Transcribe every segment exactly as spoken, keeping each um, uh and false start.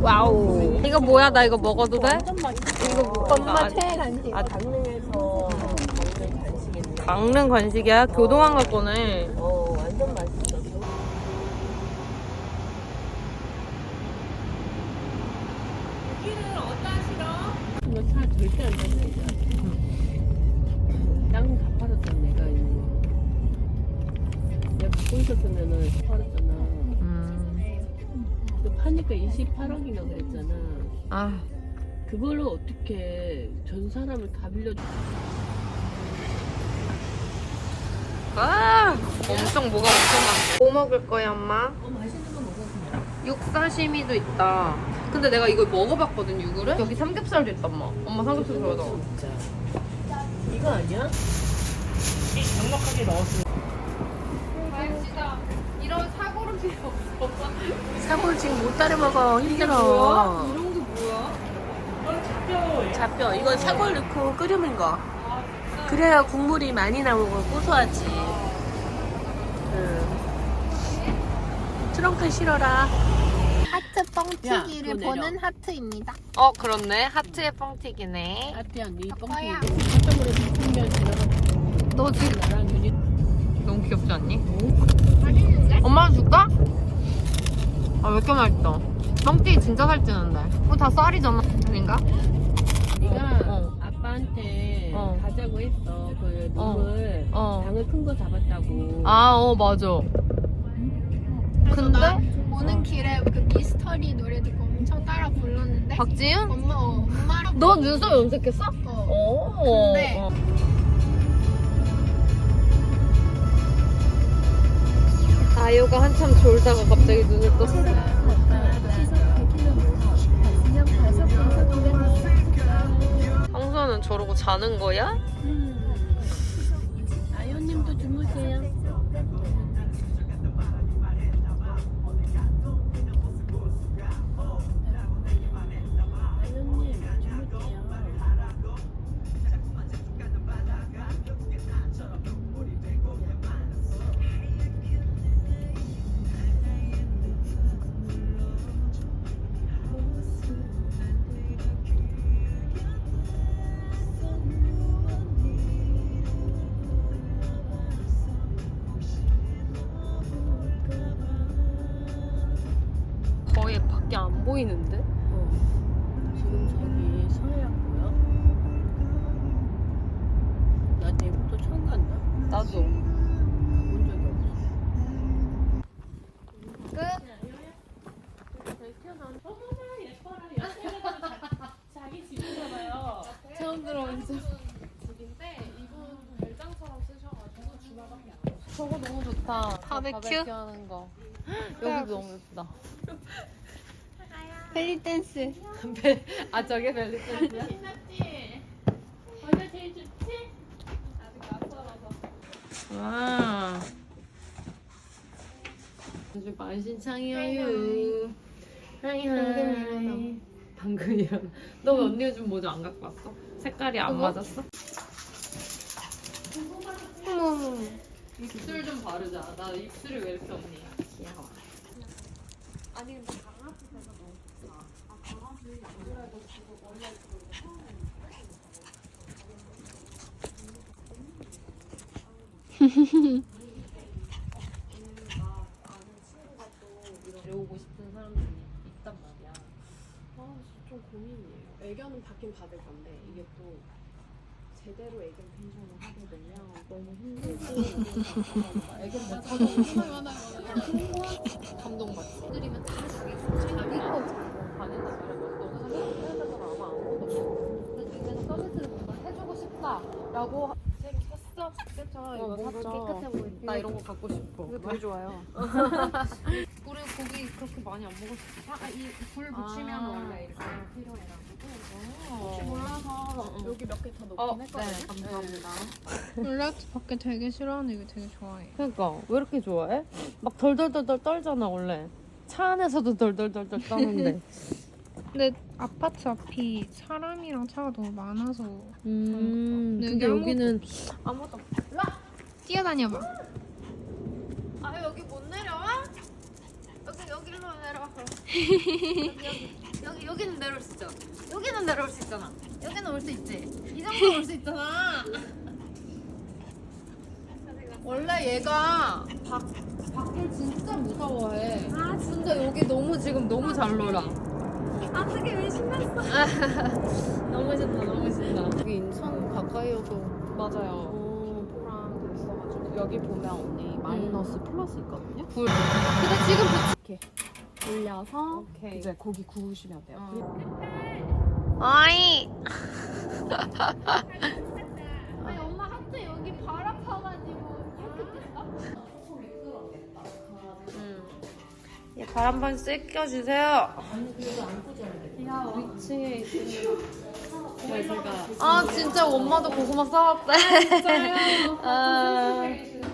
와우. 이거 뭐야? 나 이거 먹어도 돼? 완전 맛있어. 이거 뭐? 엄마 최애 간식. 아, 강릉에서 먹는 간식인데. 강릉 간식이야? 교동항 갈 거네. 어, 완전 맛있어. 여기는 어디다 싫어? 이거 차 절대 안 다니잖아. 땅 다 팔았잖아, 내가 이거. 내가 갖고 있었으면은 팔았잖아. 음. 그 파니까 이십팔억이나 그랬잖아. 아. 그걸로 어떻게 전 사람을 다 빌려줘? 아, 엄청 뭐가 엄청 많네. 뭐 먹을 거야, 엄마? 어, 맛있는 거 먹었습니다. 육사시미도 있다. 근데 내가 이걸 먹어봤거든, 육을. 여기 삼겹살도 있다, 엄마. 엄마 삼겹살 좋아하다. 진짜. 이거 아니야? 넉넉하게 넣었어. 맛있다. 이런 사고를 필요 없어. 사골 지금 못 따라 먹어. 힘들어. 이런 게 뭐야? 잡뼈. 이거 사골 넣고 끓이는 거. 그래야 국물이 많이 나오고 고소하지. 응. 트렁크 실어라. 하트 뻥튀기를 야, 그거 내려. 보는 하트입니다. 어, 그렇네. 하트의 뻥튀기네. 아트야, 네 뻥튀기. 아빠야. 한쪽으로 비풍면 지나가. 너 지금 나랑 윤희. 너무 귀엽지 않니? 맛있는데? 엄마 줄까? 아, 왜 이렇게 맛있어? 뻥튀기 진짜 살찌는데. 이거 다 쌀이잖아. 아닌가? 네가 어. 아빠한테 어. 가자고 했어. 그 놈을 어. 당을 큰 거 잡았다고. 아, 어, 맞아. 근데? 나 오는 길에 그 미스터리 노래 듣고 엄청 따라 불렀는데 박지윤? 엄마 어, 엄마랑 너 눈썹 염색했어? 어. 오. 근데 어. 아유가 한참 졸다가 갑자기 눈을 떴어. 황소는 저러고 자는 거야? 아연님도 주무세요. 아연님 주무세요. 거의 밖에 안 보이는데? 어. 지금 저기 서해안 보여? 나 내부터 처음 간다. 나도. 가본 적이 없어. 끝. 어머나 예뻐라. 자기 집이잖아요. 처음 들어오면서. 집인데 이분 별장처럼 쓰셔가지고 주말밖에 안 돼요. 저거 너무 좋다. 바베큐? 바베큐 하는 거. 여기도 너무 예쁘다. 벨리 댄스. 아, 저게 벨리 댄스야? 신났지? 어제 제일 좋지? 아직 낯설어서. 와. 아주 만신창이에요. 하이 하이. 방금 일어나. 너 언니 요즘 모자 안 갖고 왔어? 색깔이 안 맞았어? 어머. 입술 좀 바르자. 나 입술이 왜 이렇게 없니? 귀여워. 아니 근데 강아지에서 너무 좋다. 아 강아지 그래도 지금 원래 데려오고 싶은 사람들이 있단 말이야. 아, 진짜 좀 고민이에요. 애견은 받긴 받을 건데 이게 또 제대로 애견 펜션을 하게 되면 너무 힘들고 애견 못 하고 감동받지. 애들이면 다 죽이고 자기 거 자고 다닌단 말이야. 너가 생각하는 아마 아무것도 없어. 근데 그래서 서비스를 뭔가 해주고 싶다라고 새로 샀어? 그쵸? 이거 뭔가 깨끗해 보이고 나 이런 거 갖고 싶어. 이거 되게 좋아요. 우리 고기 그렇게 많이 안 먹었어. 아, 이 불 붙이면 아. 원래 이렇게 필요해가지고 혹시 어. 몰라서 여기 몇 개 더 넣긴 어, 했거든요. 네, 감사합니다. 릴렉스 밖에 되게 싫어하는데 이거 되게 좋아해. 그러니까 왜 이렇게 좋아해? 막 덜덜덜덜 떨잖아 원래. 차 안에서도 덜덜덜덜 떠는데. 근데 아파트 앞이 사람이랑 차가 너무 많아서 음. 근데 근데 여기 여기는 아무도. 뛰어다녀봐. 아 여기 못 내려와? 여기 여기로 내려와. 여기 여기는 내려올 수 있잖아. 여기는 내려올 수 있잖아. 여기는 올 수 있지. 이 정도 올 수 있잖아. 원래 얘가 밖 밖을 진짜 무서워해. 아 진짜 여기 너무 지금 너무 잘 놀아. 어떻게 왜 신났어? 너무 신나 너무 신나. 여기 인천 가까이여도 맞아요. 어, 포랑 돼 있어가지고 여기 보면 언니 마이너스 플러스 있거든요. 불. 근데 지금 이렇게 올려서 오케이. 이제 고기 구우시면 돼요. 어이. 아니 엄마 하트 여기 발 아파가지고 이렇게 됐다. 예, 발 한 번 씩 껴주세요. 위층에 있으면 네, 제가 아 진짜 엄마도 고구마 싸왔대. 아,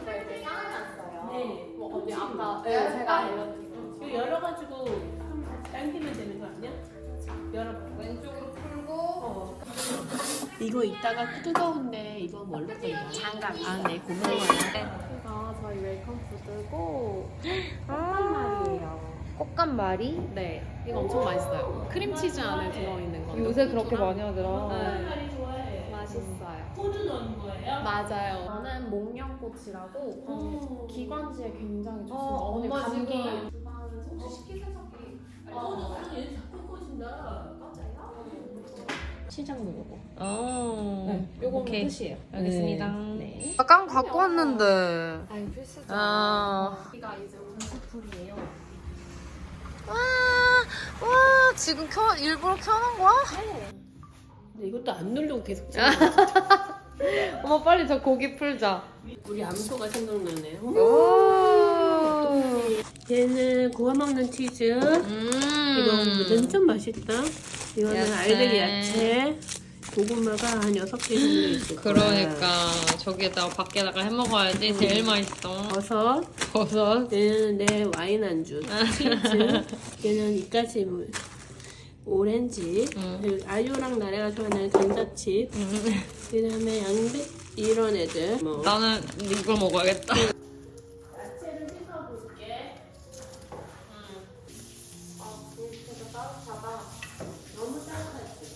언니 아까 네, 제가 알려드린 이거 열어가지고 당기면 되는 거 아니야? 열어봐. 왼쪽으로 풀고. 어. 이거 이따가 뜨거운데 이거 뭘로 끓여? 장갑. 아, 네, 고마워요. 여기가 저희 웰컴 푸드고 꽃간말이에요. 꽃감말이? 네, 이거 엄청 맛있어요. 크림치즈 안에 들어있는 거. 요새 그렇게 많이 하더라. 네, 좋아해. 맛있어요. 호두 넣는 거예요? 맞아요. 저는 목련꽃이라고 어. 기관지에 굉장히 좋습니다. 어, 어머니 엄마 감기. 지금- 혹시 식기세척기? 어, 얘 자꾸 꼬신다. 시장 먹어보. 어. 네, 요거는 오케이. 끝이에요. 알겠습니다. 네. 아까 갖고 왔는데. 아니 필수죠. 아. 여기가 이제 온수풀이에요. 와, 와 지금 켜 일부러 켜놓은 거야? 근데 이것도 안 누르고 계속 찍어. 엄마 빨리 저 고기 풀자. 우리 암소가 생각나네. 어? 오. 얘는 구워 먹는 치즈. 음. 이거 완전 맛있다. 이거는 야채. 알들 야채. 고구마가 한 여섯 개 정도 있을 거야. 그러니까 저기에다가 밖에다가 해 먹어야지 제일 맛있어. 버섯. 버섯. 얘는 내 와인 안주. 치즈. 얘는 이까지 물. 오렌지. 음. 그리고 아유랑 나래가 좋아하는 감자칩. 그 다음에 양배 이런 애들. 뭐. 나는 이거 먹어야겠다. 야채를 씻어볼게. 아, 불때가 따뜻하다. 너무 따뜻하지.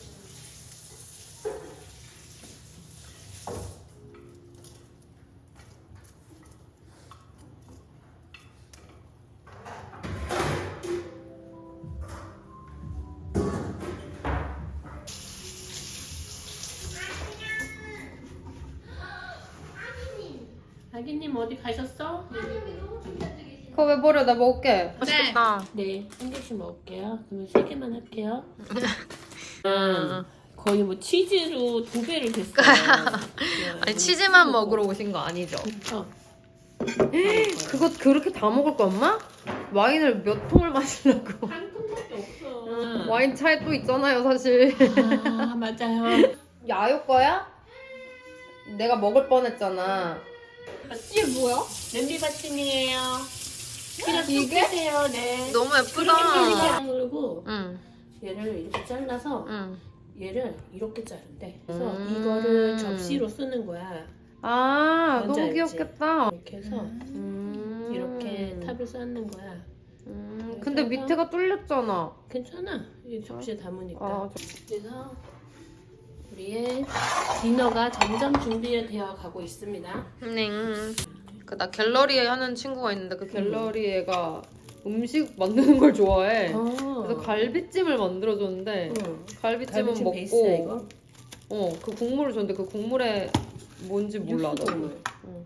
아기님 어디 가셨어? 그거 왜 버려? 나 먹을게. 맛있겠다. 네, 한 개씩 먹을게요. 그러면 세 개만 할게요. 음, 거의 뭐 치즈로 두 배를 됐어요. 아니 치즈만 먹으러 오신 거 아니죠? 어. 그거 그렇게 다 먹을 거 엄마? 와인을 몇 통을 마시려고? 한 통밖에 없어. 와인 차에 또 있잖아요, 사실. 아, 맞아요. 야유 거야? 내가 먹을 뻔했잖아. 이게 뭐야? 냄비 받침이에요. 그냥 이게? 요 네. 너무 그렇게 예쁘다. 그리고 응, 얘를 이렇게 잘라서 응. 얘를 이렇게 자른대. 그래서 음. 이거를 접시로 쓰는 거야. 아, 뭔지 너무 알지? 귀엽겠다. 이렇게 해서 음. 이렇게 탑을 쌓는 거야. 음, 근데 밑에가 뚫렸잖아. 괜찮아. 이 접시에 담으니까. 아, 저- 그래서 우리의 디너가 점점 준비되어 가고 있습니다. 네. 그나 갤러리에 하는 친구가 있는데 그 갤러리 애가 음식 만드는 걸 좋아해. 어. 그래서 갈비찜을 만들어줬는데 응. 갈비찜은 갈비찜 먹고 베이스야, 이거? 어, 그 국물을 줬는데 그 국물에 뭔지 몰라. 육수 나도. 국물. 응.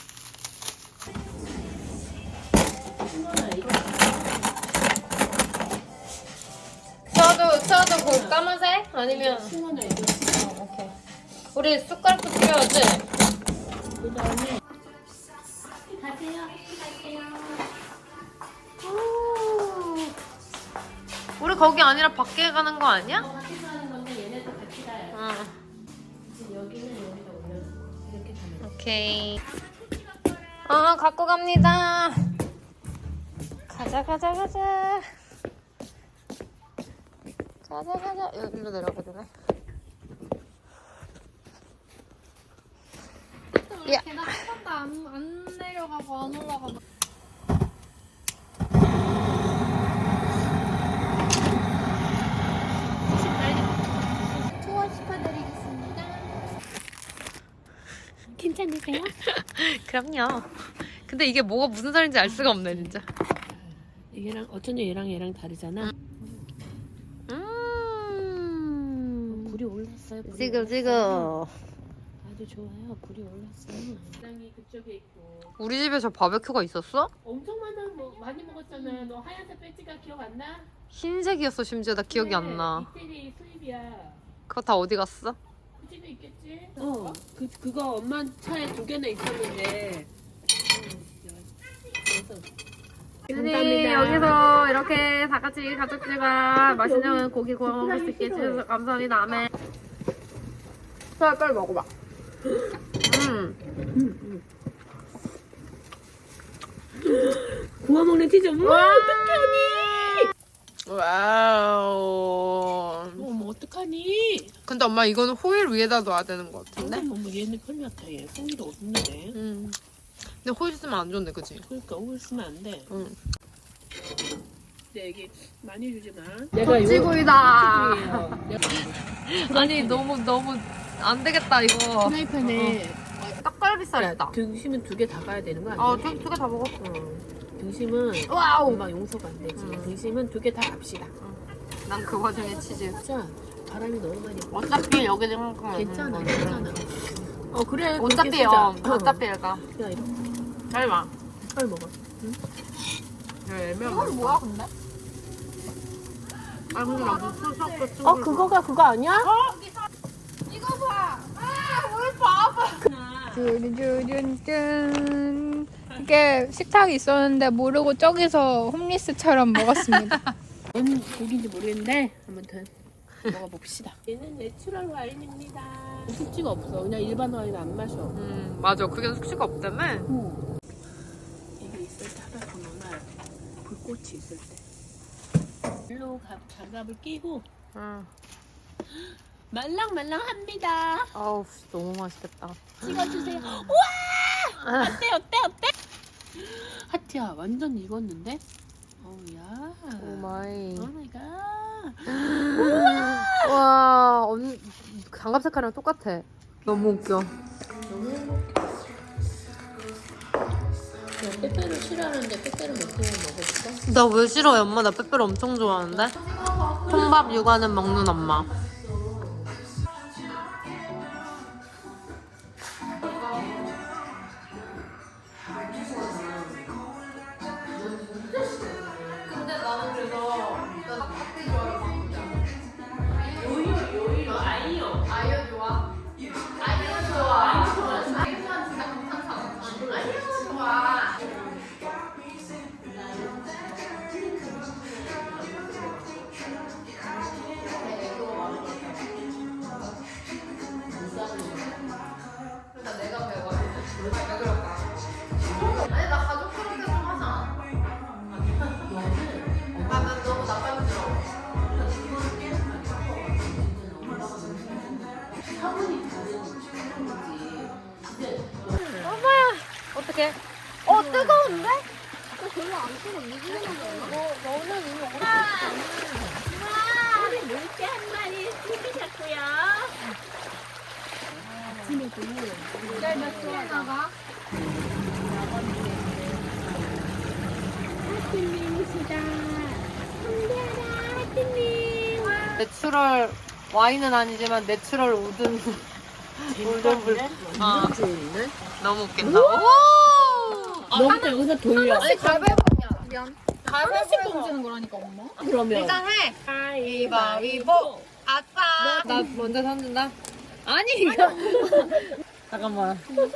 신선아, 이거 저도 저도 그 까만색 아니면 신선아, 이거 어, 오케이. 우리 숟가락도 필요하지? 그 다음에 가세요. 가세요. 우리 거기 아니라 밖에 가는 거 아니야? 어, 같이 가는 건데 얘네도 같이 가요. 응. 지금 여기는 여기다 올려. 이렇게 가면. 오케이. 아, 갖고 갑니다. 가자, 가자, 가자. 가자, 가자. 여기로 내려가야 되네. 야. 계단 한 번도 안, 안 내려가고 안 올라가고 그럼요. 근데 이게 뭐가 무슨 살인지 알 수가 없네 진짜. 얘랑 어쩐지 얘랑 얘랑 다르잖아. 음. 불이 올랐어요. 불이 지금 올랐어요. 지금 아주 좋아요. 불이 올랐어요. 식당이 그쪽에 있고. 우리 집에 저 바베큐가 있었어? 엄청 많아. 뭐 많이 먹었잖아. 너 하얀색 배지가 기억 안 나? 흰색이었어 심지어. 나 기억이 안 나. 이태리 수입이야. 그거 다 어디 갔어? 그 집에 있겠지? 어. 그 그거 엄마 차에 두 개나 있었는데. 네, 여기서 이렇게 다 같이 가족들과 맛있는 고기 구워 먹을 수 있게 해주셔서 감사합니다. 아멘. 빨리 빨리 먹어봐. 음. 구워 먹는 치즈. 음, 와. 어떡하니? 와우. 어머 어떡하니? 근데 엄마 이거는 호일 위에다 놔야 되는 것 같은데? 어머 얘는 큰일 났다. 얘 호일이 없는데. 음. 근데 호일 쓰면 안 좋은데, 그치? 그러니까 호일 쓰면 안 돼. 응. 근데 여기 많이 주지 마. 찌구이다. 내가 아니 너무 너무 안 되겠다 이거. 프라이팬에 떡갈비살이다. 등심은 두 개 다 가야 되는 거 아니야? 아, 두 개 다 먹었어. 등심은 와우. 금방 용서가 안 되지. 음. 등심은 두 개 다 갑시다. 난 그 와중에 치즈. 진짜 바람이 너무 많이 불어. 어차피 여기는 음, 괜찮아, 음, 괜찮아. 어 그래. 어차피 그렇게 어, 쓰자. 어차피 얘가. 야 이거 설마. 빨리 먹어. 이건 뭐야 근데? 아 근데 나 무슨 섞고 쭉. 어 그거가 그거 아니야? 이거 봐. 아, 뭘 봐봐. 쭈르쭈르쭈. 이게 식탁이 있었는데 모르고 저기서 홈리스처럼 먹었습니다. 뭔 고기인지 모르겠는데 아무튼 먹어봅시다. 얘는 내추럴 와인입니다. 숙취가 없어. 그냥 일반 와인 안 마셔. 음 맞아. 그게 숙취가 없다며. 이게 있을 때 하다 보면 불꽃이 있을 때. 일로 가- 장갑을 끼고 응. 말랑말랑합니다. 아우 너무 맛있겠다. 찍어주세요. 우와! 어때 어때 어때? 하트야 완전 익었는데? 어우야. 오 마이. 오 마이 갓. 와, 언니 장갑 색깔이랑 똑같아. 너무 웃겨. 빼빼로 싫어하는데 빼빼로 몇 개만 먹어볼까? 나 왜 싫어해, 엄마? 나 빼빼로 엄청 좋아하는데. 통밥 육아는 먹는 엄마. 어떡해? 어, 뜨거운데? 물개 한 마리 튀기셨고요. 내추럴 와인은 아니지만 내추럴 우든 우든 불. 아, 좋은데? 너무 웃긴다. 오! 너부터 여기서 돌려. 아니 가위바위보냐? 미안. 하나씩 던지는 거라니까 엄마. 그러면 일단 해. 가위바위보. 아싸. 나 먼저 던진다. 아니 이거. 잠깐만.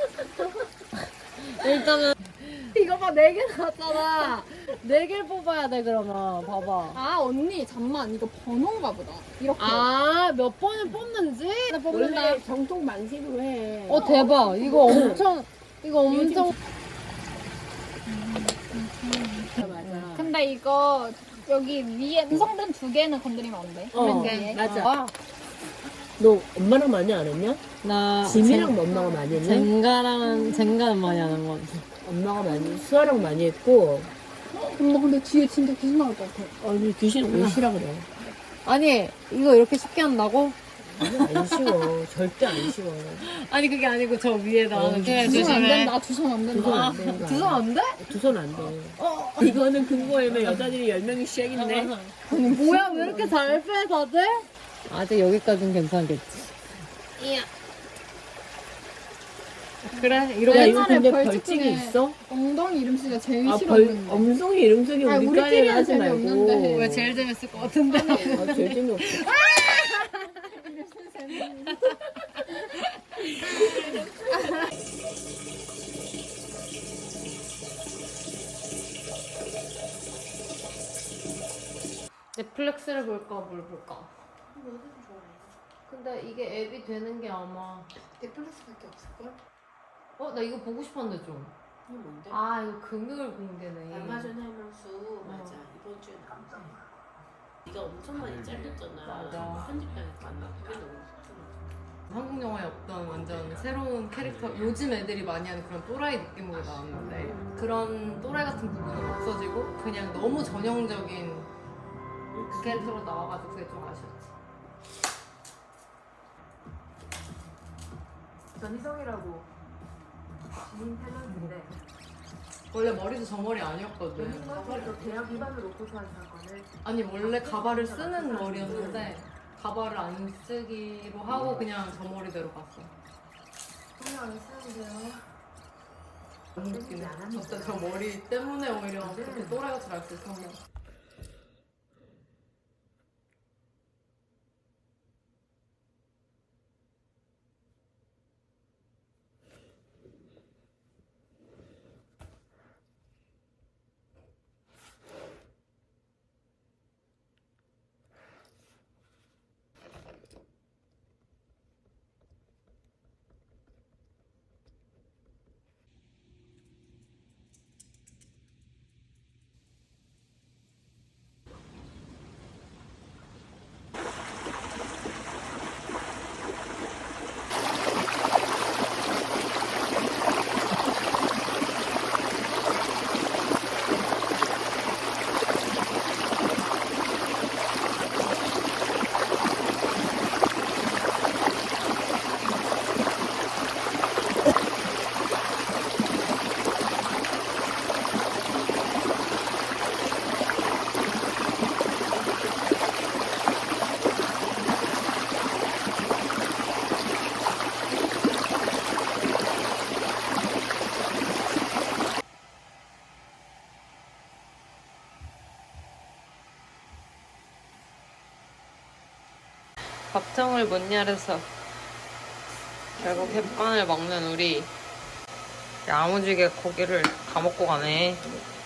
일단은 이거 봐, 네 개 나왔잖아. 네 개를 뽑아야 돼, 그러면. 봐봐. 아 언니 잠만 이거 번호인가 보다. 이렇게. 아, 몇 번을 뽑는지? 나 뽑는다. 원래 정통 만식으로 해. 어, 대박. 이거 엄청, 이거 엄청. 맞아. 근데 이거 여기 위에 완성된 두 개는 건드리면 안 돼. 어, 맨 위에. 맞아. 너 엄마랑 많이 안 했냐? 나. 지미랑 엄마가 많이 했냐? 젠가랑, 젠가는 많이 하는 것 같아. 엄마가 많이, 수아랑 많이 했고. 엄마 근데 뒤에 진짜 귀신 나올 것 같아. 아니, 귀신 옷이라 그래. 아니, 이거 이렇게 쉽게 한다고? 안 쉬워. 절대 안 쉬워. 아니 그게 아니고 저 위에다 어, 이렇게 두손 안 조심해. 된다. 두 손 안 두 된다. 손 안 되는 거 두 손 안 돼? 두 손 안 돼. 이거는 금고에면 여자들이 열 명이 시작인데. 뭐야 왜 이렇게 잘 빼 다들? 아직 여기까지는 괜찮겠지. 이야. 그래 이러고 야, 이거 옛날에 근데 벌칙 벌칙이 중에 있어? 엉덩이 이름 쓰기가 제일 아, 벌, 싫었는데. 엄송이 이름 속에 아니, 우리 우리끼리는 까리를 하지 말고. 재미없는데. 왜 제일 재밌을 것 같은데? 아, 제일 재미없어. 넷플릭스를 볼까 뭘 볼까? 근데 이게 앱이 되는 게 아마 넷플릭스밖에 없을걸? 어? 나 이거 보고 싶었는데 좀. 이게 뭔데? 아 이거 금요일 공개네. 아마존 할망수 맞아. 이번 주에 나온대. 네가 엄청 많이 잘렸잖아. 맞아. 편집하니까 나 그게 너무 좋더라. 한국 영화에 없던 완전 새로운 캐릭터, 요즘 애들이 많이 하는 그런 또라이 느낌으로 나왔는데 그런 또라이 같은 부분은 없어지고 그냥 너무 전형적인 그 캐릭터로 나와가지고 그게 좀 아쉬웠지. 전희성이라고 지인 탤런트인데 원래 머리도 저 머리 아니었거든. 가발도 대학 입안을 놓고서 한 사건을 아니 원래 가발을 쓰는 머리였는데 가발을 안 쓰기로 하고 그냥 저 머리대로 갔어. 성형을 쓰는데요. 너무 웃기네. 진짜 저 머리 때문에 오히려 그렇게 또라이같이 날 수 있었네. 밥통을 못 열어서 결국 햇반을 먹는 우리. 야무지게 고기를 다 먹고 가네.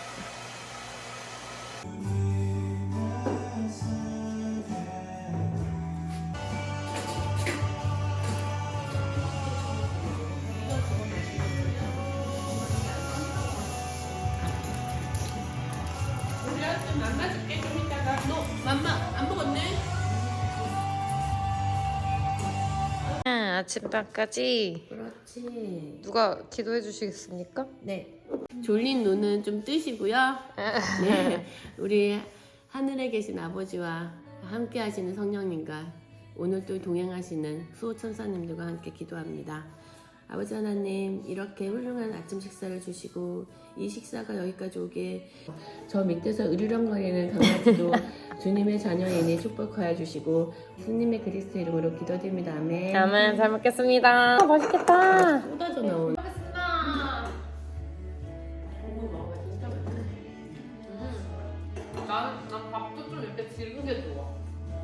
맘마 줄게 좀 이따가. 너 맘마 안 먹었네? 아침밥까지 그렇지. 누가 기도해 주시겠습니까? 네. 졸린 눈은 좀 뜨시고요. 네. 우리 하늘에 계신 아버지와 함께 하시는 성령님과 오늘 또 동행하시는 수호천사님들과 함께 기도합니다. 아버지 하나님, 이렇게 훌륭한 아침 식사를 주시고 이 식사가 여기까지 오게 저 밑에서 으르렁거리는 강아지도 주님의 자녀이니 축복하여 주시고 주님의 그리스도 이름으로 기도드립니다. 아멘. 아멘. 잘 먹겠습니다. 아, 맛있겠다. 쏟아져 나온. 나는 난 밥도 좀 이렇게 질긴 게 좋아.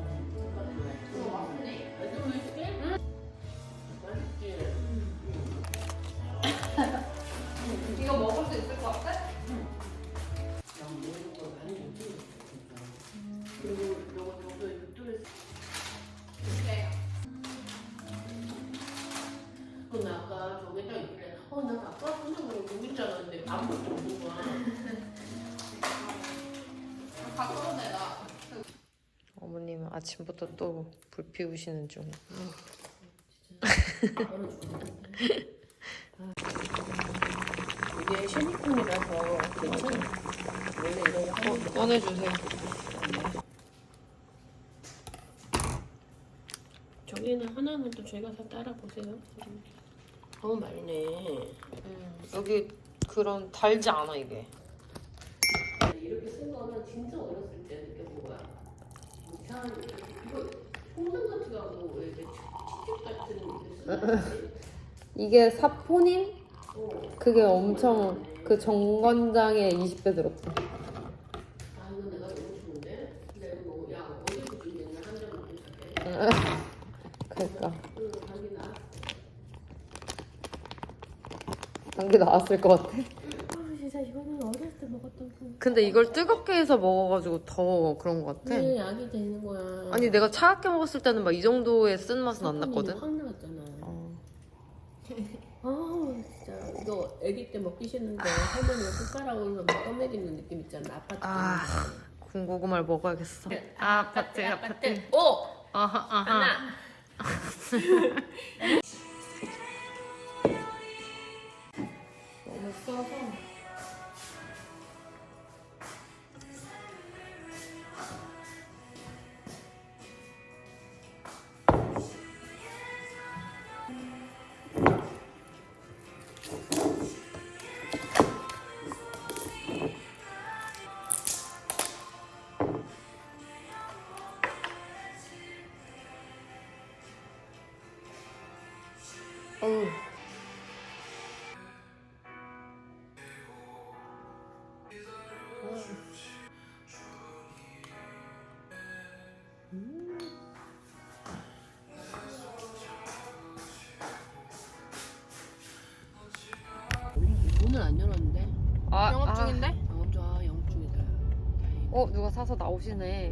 이거 먹을 수 있을 것 같아? 그리고 너가 저도 유튜브에 근데 아까 저기 딱 있길래 어난 아까 선생님으로 보인 줄 알았는데 아무것도 없는 거야. 가까운데 나. 어머님은 아침부터 또 불 피우시는 중. 이게 쉐니콘이라서 괜찮아. 원래 이런 거 하는 거. 꺼내주세요. 저기는 여기는 하나만 또 저희가 다 따라 보세요. 너무 많네. 음, 여기 그런 달지 않아 이게. 이렇게 쓴 거는 진짜 어렸을 때 느껴본 거야. 이상한 이거 홍삼 같지가 않고 왜 이렇게 치즈 같은 게 쓰는 이게 사포닌? 어. 그게 엄청 그 정관장에 이십 배 들었대. 아 이거 내가 너무 좋은데? 근데 이거 뭐, 야 어디서 좀 맨날 한잔 먹고 있었대. 그러니까 응, 감기 나. 감기 나왔을 것 같아. 아 진짜 이거는 어렸을 때 먹었던 그. 근데 이걸 뜨겁게 해서 먹어가지고 더 그런 것 같아. 네, 약이 되는 거야. 아니 내가 차갑게 먹었을 때는 막 이 정도의 쓴 맛은 안 났거든. 확 나왔잖아. 어. 아 진짜 이거 아기 때 먹기 싫은데 할머니가 숟가락으로 막 떠먹이는 느낌 있잖아. 아파트. 아 군고구마를 먹어야겠어. 아파트 아파트. 오 아하 아하. 하나. 너무 써서. 어우. 문을 안 열었는데. 아, 영업 아. 중인데? 영업 좋아, 영업 중이다. 다행이다. 어 누가 사서 나오시네.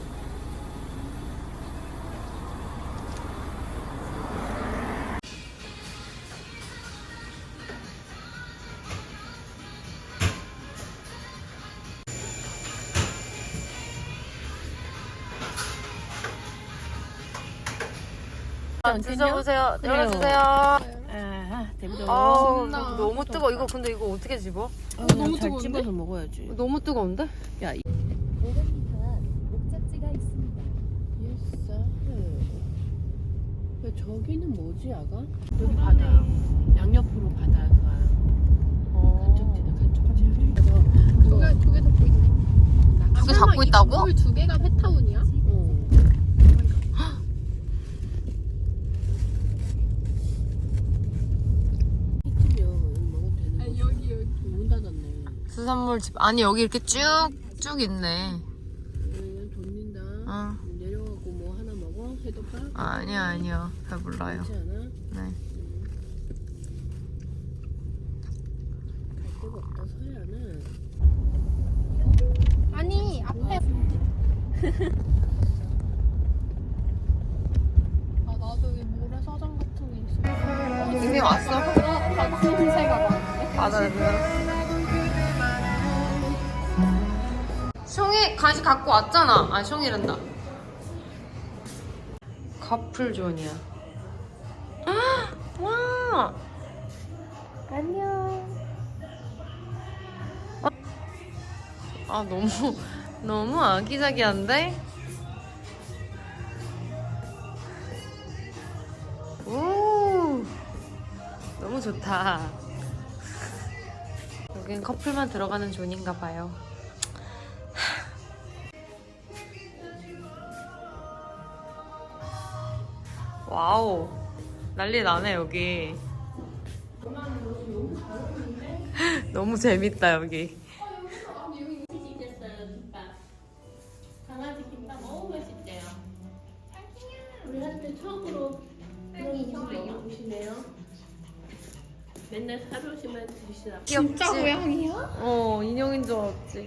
드셔보세요. 열어주세요. 아, 대부분. 아우 겁나 너무 뜨거. 이거 근데 이거 어떻게 집어? 아, 너무 잘 뜨거운데? 집어서 먹어야지. 너무 뜨거운데? 야, 이- 오백 미터 앞 목적지가 있습니다. 예스. 왜 저기는 뭐지, 아가? 여기 바다. 양옆으로 바다가 간척지다, 간척지. 그래서 두개 두 개 잡고 있네. 두 개 잡고 있다고? 두 개가 페타운이야? 어. 이쯤이면 먹어도 되는 거지. 여기 여기. 문 닫았네. 수산물 집 아니 여기 이렇게 쭉쭉 있네. 응, 돕는다. 어. 내려가고 뭐 하나 먹어? 해독밥? 아니요 아니요 배불러요. 그렇지 않아? 네. 갈 데가 없다, 서해안은. 아니 앞에. 아 나도 이 모래사장 같은 게 있어. 이미 왔어? 같은 새가 많은데? 맞아요. 숑이 간식 갖고 왔잖아. 아 숑이란다. 커플존이야. 와. 안녕. 아 너무 너무 아기자기한데? 오. 너무 좋다. 여긴 커플만 들어가는 존인가 봐요. 와우. 난리 나네 여기. 너무 재밌다 여기. 강아지 김밥 너무 맛있대요. 우리한테 처음으로 그런 거 먹으시네요. 맨날 사료시만 드시다. 진짜 고양이야? 어 인형인 줄 알았지.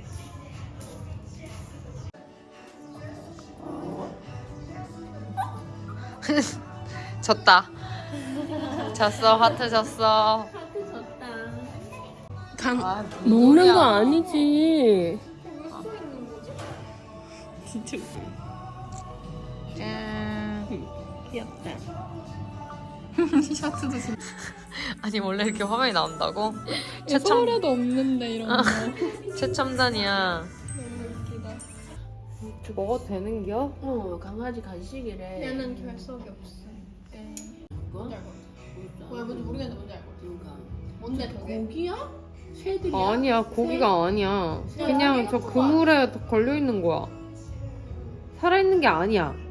졌다. 졌어 하트 졌어. 하트 졌다. 아, 먹는 거 아니지. 진짜 짠. 귀엽다. 셔츠도 진짜. 아니 원래 이렇게 화면이 나온다고? 최첨 서울에도 없는데 이런 거. 최첨단이야. 너무 웃기다. 먹어도 되는겨? 어, 강아지 간식이래. 얘는 결석이 없어. 그거? 뭔지 알 것 같아. 진짜. 뭐야 뭔지 모르겠는데 뭔지 알 것 같아. 그러니까. 뭔데 저게? 고기야? 새들이야? 아니야 고기가 아니야. 새? 그냥 저 그물에 걸려 있는 거야. 살아 있는 게 아니야.